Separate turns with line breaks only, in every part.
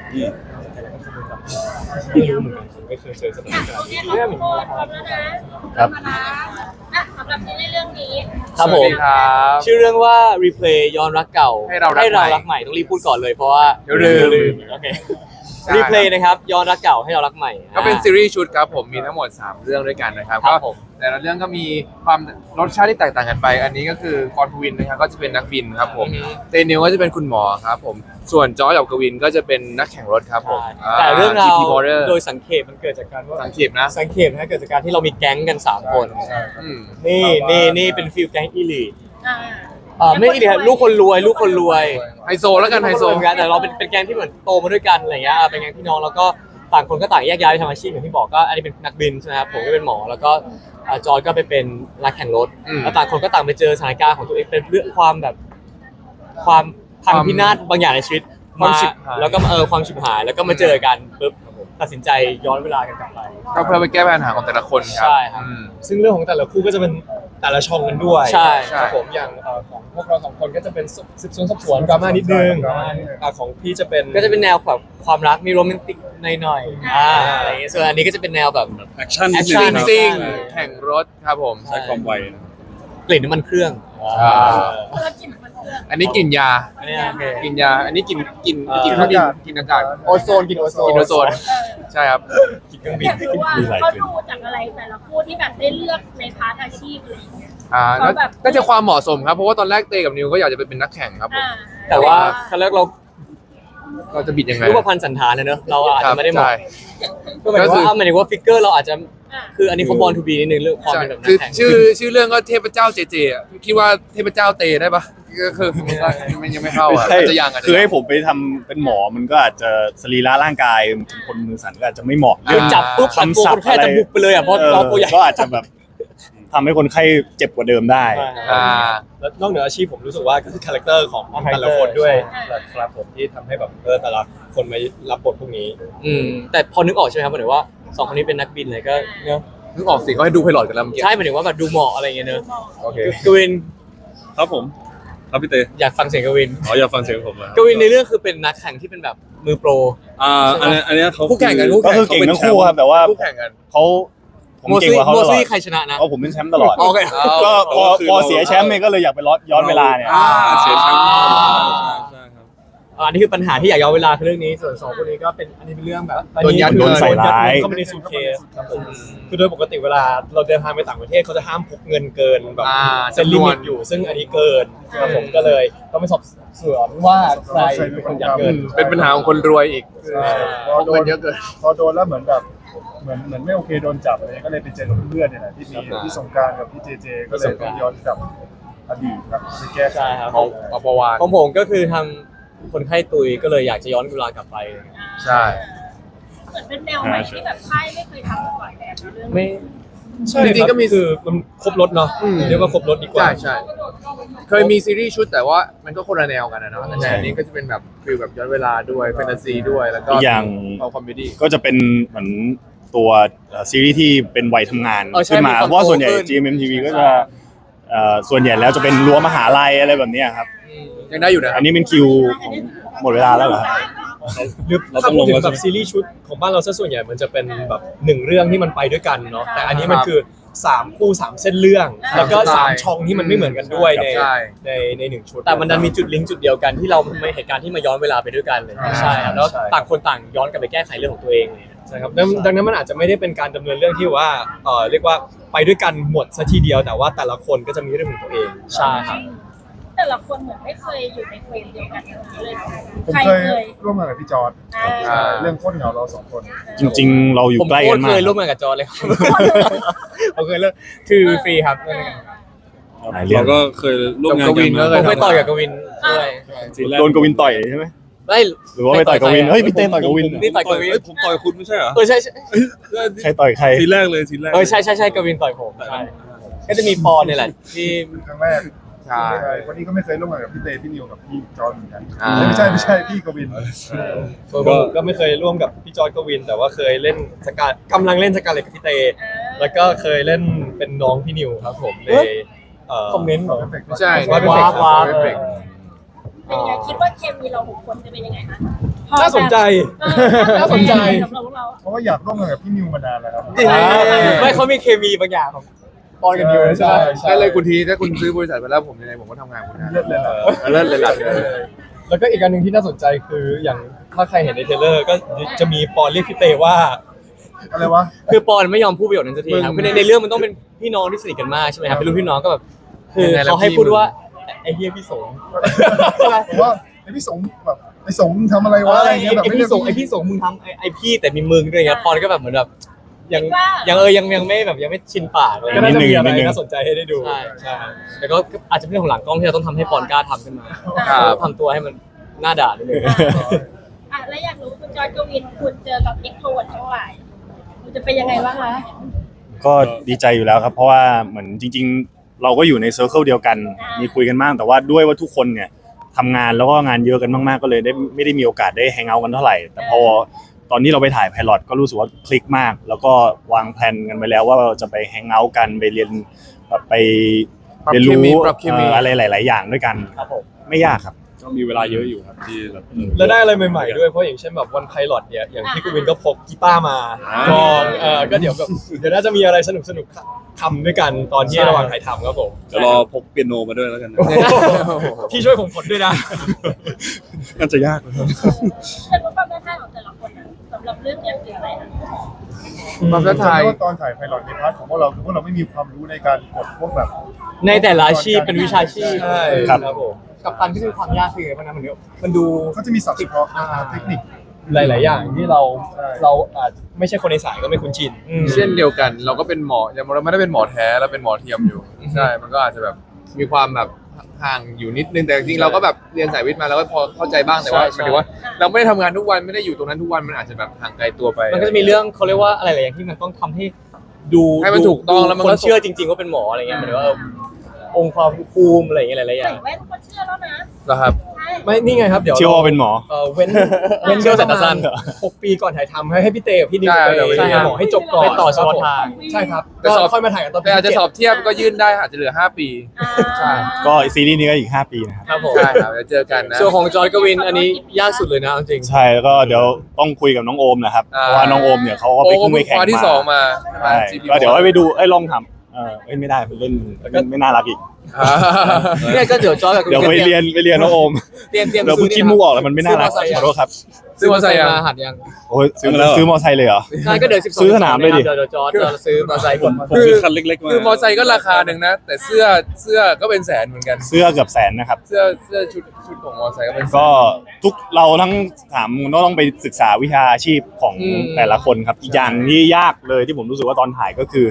ไม่รู้เหมือนกันผมไม่เคยเจอสถานการ
โอ
ณ์
เค
นี้
ขอบคุณพร้อมแล้วนะครับสำหรับซีรีส์เรื่องนี้
ครับผม
ครับ
ชื่อเรื่องว่า replay ย้อนรักเก่า
ให้เรารักใหม่
ต้องรีบพูดก่อนเลยเพราะว่า
เดี๋ยวลืม
โอเค replay นะครับย้อนรักเก่าให้เรารักใหม่
ก็เป็นซีรีส์ชุดครับผมมีทั้งหมด3เรื่องด้วยกันนะครับ
ครั
ก็
บผม
แต่ละเรื่องก็มีความรสชาติที่แตกต่างกันไป อันนี้ก็คือกรทวินนะครับก็จะเป็นนักบินครับผมเตนิวก็จะเป็นคุณหมอครับผมส่วนจอร์จกับกวินก็จะเป็นนักแข่งรถครับผม
แต่เรื่องราว
GT Border
โดยสังเขปมันเกิดจากการว่า
สังเขปนะ
สังเขปนะเกิดจากการที่เรามีแก๊งกัน3คน
อืม
นี่เป็นฟิลแก๊งอีลีท
อ่า
ไม่อีลีทลูกคนรวย
ไฮโซแล้วกันไฮโซ
เหมือนกันแต่เราเป็นแก๊งที่เหมือนโตมาด้วยกันอะไรเงี้ยเป็นแก๊งพี่น้องแล้วก็ต่างคนก็ต่างแยกย้ายไปทำอาชีพอย่างที่บอกก็อันนี้เป็นนักบินใช่ไหมครับผมก็เป็นหมอแล้วก็จอร์จก็ไปเป็นนักแข่งรถแล้วต่างคนก็ต่างไปเจอสถานการณ์ของตัวเองเป็นเรื่องความแบบความพังพินาศบางอย่างในชีวิตมาแล้วก็ความฉิบหายแล้วก็มาเจอกันปุ๊บตัดสินใจย้อนเวลากันกลับไป
ก็เพื่อไปแก้ปัญหาของแต่ละคนครั
ใช่ครับ
อืม
ซึ่งเรื่องของแต่ละคู่ก็จะเป็นแต่ละช่องกันด้วย
ใช่
ครับผมอย่างของพวกเรา2คนก็จะเป็นสืบสวนสอบสวนดราม่านิดนึงของพี่จะเป็น
ก็จะเป็นแนวแบบความรักมีโรแมนติกหน่อยๆอะไรอย่างเงี้ยส่วนอันนี้ก็จะเป็นแนวแบบ
แอคชั่น
แอค
ซิ
ชั่
่
น
งซิ่งแข่งรถครับผม
ใช้ความไวนะ
กลิ่นน้ำมันเครื่อง
คนละกลิ่นมันเรื่อง
อันนี้กลิ่นยา
อันนี้โอเค
กลิ่นยา อันนี้กลิ่นเครื่องบินกลิ่นอากาศ
โอโซนกินโอโซน
กลิ่นโอโซนใช่ครับ
อยากรู้ว่าเขาดูจากอะไรแต่ละคู่ที่แบบได้เลือกในพาร์ทอาชีพอะไรอย่างเงี้ย
ก็น่าจะความเหมาะสมครับ เพราะว่าตอนแรกเตกับนิวก็อยากจะไปเป็นนักแข่งครับผม
แต่ว่าครั้งแรกเรา
เราจะบิดยังไง
รูปพรรณสันฐานนะเนอะเราอาจจะไม่ได้เหมาะ
ใช่
ก็หมายถึงว่าหมายถึงว่าฟิกเกอร์เราอาจจะคืออันนี้เขาบอลทูบีนิดนึงเรื่องความ
ใช่
เป็นแบบนั
คือก
แข่ง
ชื่อเรื่องก็เทพเจ้าเจเจอะคิดว่าเทพเจ้าเตได้ปะก็คือมันยังไม่เข้าอ่ะ
ใช่
อาจจะยัง
คือให้ผมไปทำเป็นหมอมันก็อาจจะสรีระร่างกายคนมือสั่นก็อาจจะไม่เหมาะ
คือจับปุ๊บตัดตัวคนแค่จะบุกไปเลยอ่ะเพราะเราตัวใหญ่
ก็อาจจะแบบทำให้คนไข้เจ็บกว่าเดิมได้
อ่า
แล้วนอกเหนืออาชีพผมรู้สึกว่าก็คือคาแรคเตอร์ของแต่ละคนด้วยครับผมที่ทำให้แบบแต่ละคนมารับบทพวกนี้
แต่พอนึกออกใช่ไหมครับหมายถึงว่า2คนนี้เป็นนักบินเลยก็เนอะ
นึกออกสิเขาให้ดูไพลอตกันแล้วเมื่อกี้
ใช่หมายถึงว่าแบบดูเหมาะอะไรอย่างเงี้ยเนอะ
โอเค
กวิน
ครับผมครับพี่เต
อยากฟังเสียงกวิน
อยากฟังเสียงผมนะ
กวินในเรื่องคือเป็นนักแข่งที่เป็นแบบมือโปร
อันนี้เขา
คู่แข่งกัน
ก็คือเก่งทั้งคู่ครับแต่ว่า
คู่แข่งกัน
เขาผมเก่งกว่าเขา
โม
ตลอ
ซี่
ด
ใครชนะนะ
เพราะผมเป็นแชมป์ตลอด
โอเค
ก็พอเสียแชมป์เนี่ยก็เลยอยากไปย้อนเวลาเนี่ยเสียแชมป์ใช่ครับ
อันนี้คือปัญหาที่อยากย้อนเวลาคือเรื่องนี้ส่วน2คนนี้ก็เป็นอันนี้เป็นเรื่องแบบ
โดนยัด
โดนใส่ร้าย
เข้ามาในซูทเคสครับผมคือโดยปกติเวลาเราเดินทางไปต่างประเทศเขาจะห้ามพกเงินเกินแบบเซ็นลิมิตอยู่ซึ่งอันนี้เกินครับผมก็เลยต้องไปสอบสวนว่าใครเป็นคนยัดเงิน
เป็นปัญหาของคนรวยอีก
พอโด
เงิ
น
นเยอะเกิน
พอโดนแล้วเหมือนแบบเหมือนไม่โอเคโดนจับอะไรก็เลยไปเจอเพื่อนเนี่ยแหละที่มีที่สงกรารกับพี่เจเจก็เลยต้องย้อนกลับอดีตครับไปแก้ไข
ใช่ครับ
เอาประวาน
ของผมก็คือทำคนไข้ตุยก็เลยอยากจะย้อนเวลากลับไป
ใช่
เหมือนเป็นแนวใหม่ที่แบบค่ายไม่เคยทำมาก่อนแบบเรื่อง
ไม่
ใช่
จริงๆก็มี
คือมันครบรถเนาะเรียกว่าครบรถดีกว่า
ใช่ใช่เคยมีซีรีส์ชุดแต่ว่ามันก็คนละแนวกันนะเนาะแต่อันนี้ก็จะเป็นแบบฟีลแบบย้อนเวลาด้วยแฟนตาซีด้วยแล้วก็
อีกอย่าง
เอาคอมเมดี้
ก็จะเป็นเหมือนตัวซีรีส์ที่เป็นวัยทำงาน
ใช่
ขึ้นมา
มีความ
เพราะว่าส่วนใหญ่
โตขึ้น
GMMTV ก็จะส่วนใหญ่แล้วจะเป็นรั้วมหาลัยอะไรแบบเนี้ยครับ
ยังได้อยู่นะค
อั
รับ
นนี้เป็นคิวของหมดเวลาแล้วเหรอ
หรือถ้าพูดถึงแบบซีรีส์ชุดของบ้านเราซะส่วนใหญ่มันจะเป็นแบบ1เรื่องที่มันไปด้วยกันเนาะแต่อันนี้มันคือ3คู่3เส้นเรื่องแล้วก็3ช่องที่มันไม่เหมือนกันด้วยใน1ชุด
แต่มันดันมีจุดลิงก์จุดเดียวกันที่เราไม่เหตุการณ์ที่มาย้อนเวลาไปด้วยกันเลยใช่ครับแล้วต่างคนต่างย้อนกลับไปแก้ไขเรื่องของตัวเองเลย
ใช่ครับดังนั้นมันอาจจะไม่ได้เป็นการดำเนินเรื่องที่ว่าเรียกว่าไปด้วยกันหมดซะทีเดียวแต่ว่าแต่ละคนก็จะมีเรื่องของตัวเอง
ใช่ครับ
แต่ละคนเหมือนไม่เคยอยู่ในเฟรมเดียวกันเลย
ผม
ใคร
เคย
เคย
ร่วมงานกับพี่จอร์ดเรื่องโคตรเหงาเราสองคน
จริงๆ เราอยู่
ผม
ใกล้
โค
กั
ต
น
ร
มา
เค
ก
ยร่วมงานกับจอร์จเลยครับผมเคยเลิกคือฟรีครับ
หลายเรื่อ
เรา
ง
ก็เคยร่วมงาน
กับกวิน
กัน
ก็
ผมเคยต่อยกับกวินด้วย
ซีนแรก
โดนกวินต่อยใช่ไหม
ไม่
หรือว่าไปต่อยกวินเฮ้ยพี่เต้ต่อยกวิน
นี่ต่อยกวิน
ผมต่อยคุณไม่ใช่เหรอ
ใช่ใช่
ใครต่อยใคร
ซีนแรกเลยซีนแรก
ใช่กวินต่อยผมใช่ก็จะมีปอนเนี่ยแหละที่
ครั้งแรก
ใช่
วันนี้ก็ไม่เคยร่วมงานกับพี่เตพี่นิวกับพี่จอร์ดเหมือนกัน
ไม่
ไม่ใช่พี่กวิน
ส่วนผมก็ไม่เคยร่วมกับพี่จอร์จกวิน แต่ว่าเคยเล่นกำลังเล่นสกาเลตกับพี่เต แล้วก็เคยเล่นเป็นน้องพี่นิวครับผมใน
คอมเมนต์เหรอ
ไม่ใช่
ว้าว
เอฟเฟกต์
เป็นยังไงคิดว่าเคมีเรา6 คนจะเป็นยังไงคะ
น่าสนใจ น่าสนใจ
สำหรับพวกเรา
เพราะว่าอยากร่วมงานกับพี่นิวมานานแล้วครับ
ไม่เขามีเคมีบางอย่างของปอนกับนิวใช่ไหม
ใช่
ได้เลยคุณทีถ้าคุณซื้อบริษัทไปแล้วผมยังไงผมก็ทำงานคุณนะ
เลิศเลยเหรอ
เลิศเลยหลักเลย
แล้วก็อีกอันหนึ่งที่น่าสนใจคืออย่างถ้าใครเห็นในเทรลเลอร์ก็จะมีปอนเรียกพี่เตว่า
อะไรวะ
คือปอนไม่ยอมพูดประโยคนั้นสักทีครับ
มึง
คือในเรื่องมันต้องเป็นพี่น้องที่สนิทกันมากใช่ไหมครับเป็นรุ่นพี่น้องก็แบบคือ
ยังไงล่ะ
เขาให้
พี่
พูด
มึง
ว่าไอ้เฮียพี่สง
ผมว่าไอพี่สงแบบไอสงทำอะไรวะอะไรเงี้ยแบบ
ไอ้
ไม่
พี่
เรียก
สงไอ้พี่สงมึงทำไอ้พี่แต่มีมึงด้วยไงปอนก็แบบเหมือนแบบยัง
ว่า
ยังไม่แบบยังไม่ชินปากเลย
ก็น่าจะมีอะไร
นิดนึง
น่าสนใจให้ได้ดู
ใช่ใช่แต่ก็อาจจะเป็นเรื่องของหลังกล้องที่เราต้องทำให้ปอนกล้าทำขึ้นมา
ครับ
ทำตัวให้มันหน้าด่านิดนึง
อ่ะแล้วอยากรู้คุณจอยกวินคุณเจอกับเอ็กโทรดทั้งหลายคุณจะเป็นยังไงบ้างคะ
ก็ดีใจอยู่แล้วครับ เพราะว่าเหมือนจริง ๆ เราก็อยู่ในเซอร์เคิลเดียวกัน มีคุยกันบ้างแต่ว่าด้วยว่าทุกคนเนี่ยทำงานแล้วก็งานเยอะกันมากๆก็เลยไม่ได้มีโอกาสได้แฮงเอาท์กันเท่าไหร่ แต่พอตอนนี้เราไปถ่ายไพลอตก็รู้สึกว่าคลิกมาก แล้วก็วางแผนกันไปแล้วว่าเราจะไปแฮงเอาท์กันไปเรียนแบบไปเรียนรู้
ปรับเคมี
อะไรหลาย ๆ อย่างด้วยกัน
ครับผม
ไม่ยากครับ
ก็มีเวลาเยอะอยู่ครับที่แบบ
แล้วได้อะไรใหม่ๆด้วยเพราะอย่างเช่นแบบวันไพลอตเนี่ยอย่างที่คุณวินก็พกกีตาร์มาก็ก็เดี๋ยวแบบเดี๋ยวน่าจะมีอะไรสนุกๆทำด้วยกันตอนที่ระหว่างถ่ายทำครับผม
เดี๋ยวรอพกเปียโนมาด้วยแล้วกันนะ
พี่ช่วยผมกดด้วยนะ
น่าจะยากนะครับ
แต่รู้ความท้าทายของแต่ละคนอะสำหรับเรื่องเนี้ยคืออะไรนะ
ความท้าทาย
ว่าตอนถ่ายไพลอตในพาร์ทของพวกเราคือพวกเราไม่มีความรู้ในการกดพวกแบบ
ในแต่ละอาชีพเป็นวิชาชีพ
ใช่
ครับ
ครับผม
กับตันที่มีความยากคือมันนะมันดู
เขาจะมีศัพท์เฉพาะเทคนิค
หลายๆอย่างที่เรา
ใช่
เราอาจไม่ใช่คนในสายก็ไม่คุ้นชิน
เช่นเดียวกันเราก็เป็นหมออย่างเราไม่ได้เป็นหมอแท้เราเป็นหมอเทียมอยู่ใช่มันก็อาจจะแบบมีความแบบห่างอยู่นิดนึงแต่จริงๆเราก็แบบเรียนสายวิทย์มาแล้วก็พอเข้าใจบ้างแต่ว่าหมายถึงว่า เราไม่ได้ทำงานทุกวันไม่ได้อยู่ตรงนั้นทุกวันมันอาจจะแบบห่างไกลตัวไป
มันก็จะมีเรื่องเขาเรียกว่าอะไรหลายอย่างที่มันต้องทำให้ดู
ให้มันถูกต้องแล้วมัน
ค
ก็
นเชื่อจริง ๆ ว่าเป็นหมออะไรเงี้ยหมายถึงว่าองค์ความภูมิอะไรอย่างเงี้ยหลายๆอ
ใส่
ย่าง
แว่นก็เชื่อแล้วนะ
เหรอครับ
ใช่
ไม่นี่ไงครับเดี๋ยว
เชื่อว่าเป็นหมอ
เว้น
เชื่อสายตาสั้น
6 ปีก่อนถ่ายทำให้พี่เตกับพี่นิว
ใช่
ไป
เดี๋ยวไป
ใช่ครับบอกให้จบก่อน
ไปต่อเฉพาะทาง
ใช่ครับ
แต่
ก็
สอบ
ค่อยมาถ่ายกันตอน
แต่อาจจะสอบเทียบก็ยื่นได้อาจจะเหลือ5 ปี ใช่
ก็ซีรีส์นี้ก็อีก 5 ปีนะครับ
ครับผม
ใช่ครับเดี๋ยวเจอกันนะ
ส่วนของจอร์จกวินอันนี้ยากสุดเลยนะเอาจริง
ใช่แล้วก็เดี๋ยวต้องคุยกับน้องโอมนะครับ
อ่า
เพราะว่าน้องโอมเนี่ยเขาก็
โอ้
ไป
ก็
ขึ้น
เพิ่
ไป
ง
แข่ง
คว้าที่
มา
2 มา
ใช่ก็เดี๋ยวให้ไปดูลองทำไม่ได้มันเล่นไม่น่ารักอีก
เนี่ยก็เดี๋ยวจอร์จกับ
เดี๋ยวไปเรียนน้องโอม
เตรียม
เดี๋ยวพูดคิดมุกออกแล้วมันไม่น่ารักขอโทษครับ
ซื้อมอเตอร์ไซค์ยัง
มาหัดยัง
โอ้ยซื้อมอไซค์เลยเหรอ
ใช่ก็เดี๋ยว12
ซื้อสนามเลยดิ
เดี๋ยวจอร์จจะซื้อมอเตอร์ไซค์ผม
ผมซื้อคันเล็กๆมา
คือมอเตอร์ไซค์ก็ราคาหนึ่งนะ แต่เสื้อก็เป็นแสนเหมือนกัน
เสื้อเกือบแสนนะครับ
เสื้อชุดของมอเตอร์ไซค์ก็เป็นแสน
ก็เราทั้งถามต้องไปศึกษาวิชาชีพของ
อืม
แต่ละคนครับอีกอย่างที่ยากเลยที่ผมรู้สึกว่าตอนถ่ายก็คือ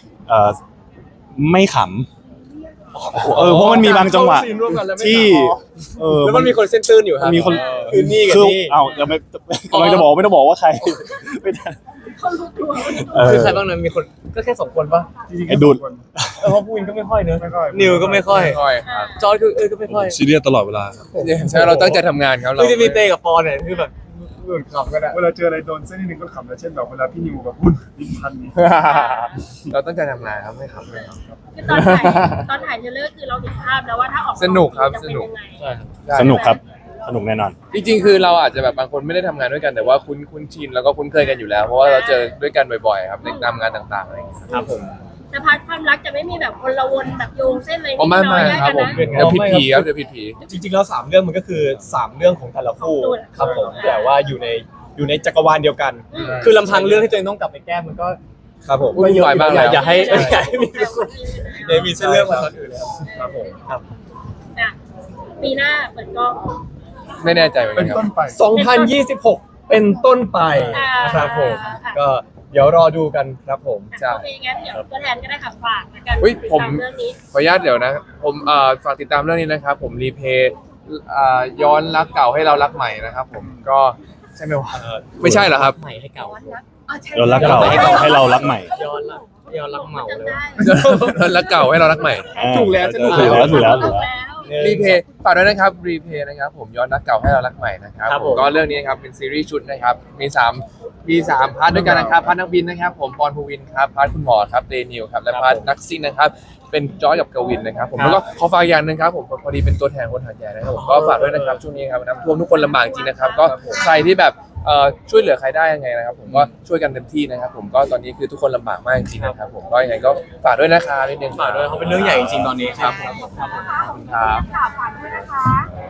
ไม่ขำเพราะมันมีบางจังหวะ
เข้าซีนร่วมกันแล้วไม่
ที่
ขำ
แล้วมันมีคนเส้นตื้นอยู่ครับ
มีคน
คือนี่กับ
คือ
นี่
เอ้าจะไม่กำลังจะบอกไม่ต้องบอกว่าใครไม่ได้
เขารู้ตัวว่า
คือใครบ้างนะมีคนก็แค่2 คนปะ
จริงๆ
ไอ้ดูด
เพราะผู้วินก็ไม่ค่อยเนอะ
ไม่ค่อย
นิวก็ไม่ค่อย
ค่อยครับ
จอร์จคือก็ไม่ค่อย
ซีเรียสตลอดเวลาครับ
ใช่เราตั้งใจทำงานครับเรา
คือจะมีเตกับปอนเนี่ยคือแบบหลุดขำกันอะ
เวลาเจออะไรโดนเส้นนิดนึงก็ขำนะเช่นแบบเวลาพี่นิวแบบพูดลิ้นพันนี้
เราตั้งใจทำงานครับไม่ครับไม่ครับ
คือตอนถ่ายเทรลเลอร์คือเราเห็นภาพแล้วว่าถ้าออกมา
สนุกครับ
จะเป็
สนุก
ยังไง
ใช่ครับ
สนุกครับสนุกแน่นอน
จริงๆคือเราอาจจะแบบบางคนไม่ได้ทำงานด้วยกันแต่ว่าคุ้นชินแล้วก็คุ้นเคยกันอยู่แล้ว เพราะว่าเราเจอด้วยกันบ่อยๆครับในตามงานต่างๆอะไรอย่างเงี้ยครับ
ครับผม
แต่พาร์ทความรักจะไม่มีแบบวนละวนแบบโยงเส้นอะไร
อ๋อไม่
น้อย
ครับผม
ๆ
เดี๋
นะ
ยวผิดผีครับเดี๋ยวผิดผี
จริงๆแล้ว3 เรื่องมันก็คือ 3 เรื่องของแต่ละคู่ครับผมแต่ว่าอยู่ในจักรวาลเดียวกัน
คือลำพังเรื่องที่ตัวเองต้องกลับไปแก้มันก็
ครับผม
วุ่นวายมากแล้ว
อย่าให้
ใช่
อย่าให้มี
เดี๋ยวมีเส้นเรื่องมาตอนอื่นแล้วครับผม
อ่ะปีหน้าเปิดกล้อง
ไม่แน่ใจเหมือน
เป็
กัน นครับ
ต้นไป
2026 เป็นต้นไปนะครับผมก็เดี๋ยวรอดูกันครับผม
ใช่
โอเคงั้นเดี๋ยวตัวแทนก็ได้ค่ะฝากแล้วกัน
อุ๊ยผม
ติดตาเรื่องนี้
ขออนุญาตเดี๋ยวนะผมฝากติดตามเรื่องนี้นะครับผมรีเพย์ย้อนรักเก่าให้เรารักใหม่นะครับผมก็ใช่ไหมวะไม่ใช่เหรอครับ
ใหม่ให้เก่า
เรารักเก่าให้เรารักใหม่
ย้อนรักเหมาเลย
ย้อนรักเก่าให้เรารักใหม่
ถูกแล้ว
ถูกแล้ว
ถูกแล้ว
รีเพย์ฝากด้วยนะครับรีเพย์นะครับผมย้อนรักเก่าให้เรารักใหม่นะครับ
ครับ
ผ
ผม ม
ก็เรื่องนี้นะครับเป็นซีรีส์ชุดนะครับมีมี3พาร์ทด้วยกันนะครับพาร์ทนักบินนะครับผมปอนภูวินครับพาร์ทคุณหมอครับเดนิวครับและพาร์ทนักซิ่งนะครับเป็นจอยกับกวินนะครับผมแล้วก็ขอฝากอย่างหนึ่งครับผมพอดีเป็นตัวแทนคนหาดใหญ่นะครับผมก็ฝากด้วยนะครับช่วงนี้ครับน้ำท่วมทุกคนลำบากจริงนะครับก็ใครที่แบบช่วยเหลือใครได้ยังไงนะครับผมก็ช่วยกันเต็มที่นะครับผมก็ตอนนี้คือทุกคนลำบากมากจริงๆนะครับผมก็ยังไงก็ฝากด้วยนะครับนิดนึง
ฝากด้วยเขาเป็นเรื่องใหญ่จริงๆตอนนี้ครับผม
ครับ
ฝากด้วยนะคะ